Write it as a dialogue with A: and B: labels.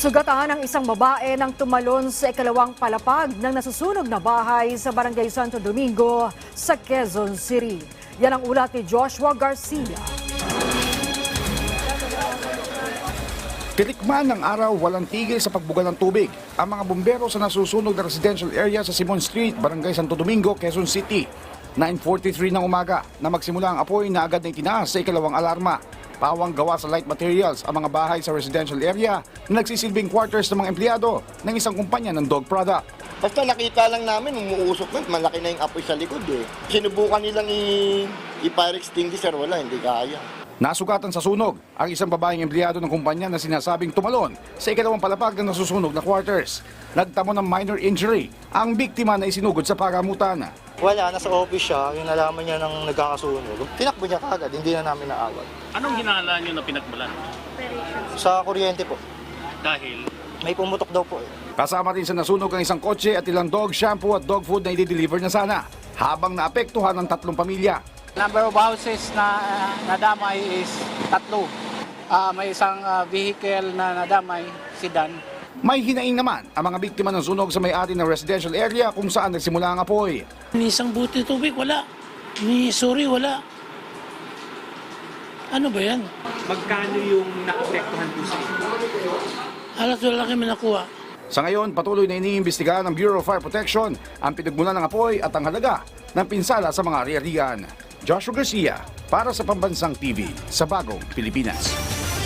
A: Sugatan ang isang babae nang tumalon sa ikalawang palapag ng nasusunog na bahay sa Barangay Santo Domingo sa Quezon City. Yan ang ulat ni Joshua Garcia.
B: Titikman ng araw, walang tigil sa pagbuga ng tubig ang mga bumbero sa nasusunog na residential area sa Simon Street, Barangay Santo Domingo, Quezon City. 9:43 ng umaga na magsimula ang apoy na agad na itinaas sa ikalawang alarma. Pawang gawa sa light materials ang mga bahay sa residential area na nagsisilbing quarters ng mga empleyado ng isang kumpanya ng dog product.
C: Basta nakita lang namin, umuusok na, malaki na yung apoy sa likod eh. Sinubukan nilang i-fire extinguisher, wala, hindi kaya.
B: Nasugatan sa sunog ang isang babaeng empleyado ng kumpanya na sinasabing tumalon sa ikalawang palapag ng nasusunog na quarters. Nagtamo ng minor injury ang biktima na isinugod sa pagamutan.
D: Wala, nasa office siya, yung nalaman niya nang nagkakasunog. Tinakbo niya kagad, hindi na namin naawat.
E: Anong hinala nyo na pinagmulan?
D: Sa kuryente po,
E: Dahil
D: may pumutok daw po eh.
B: Kasama rin sa nasunog ang isang kotse at ilang dog shampoo at dog food na i-deliver na sana, habang naapektuhan ng 3 pamilya.
F: Number of houses na nadamay is 3. May isang vehicle na nadamay, sedan.
B: May hinaing naman ang mga biktima ng sunog sa may-ari ng residential area kung saan nagsimula ang apoy.
G: Ni isang buti tubig, wala. Ni suri, wala. Ano ba yan?
H: Magkano yung naapektuhan po sa inyo?
G: Halos wala kami nakuha.
B: Sa ngayon, patuloy na iniimbestigahan ng Bureau of Fire Protection ang pinagmulan ng apoy at ang halaga ng pinsala sa mga ari-arian. Joshua Garcia, para sa Pambansang TV, sa Bagong Pilipinas.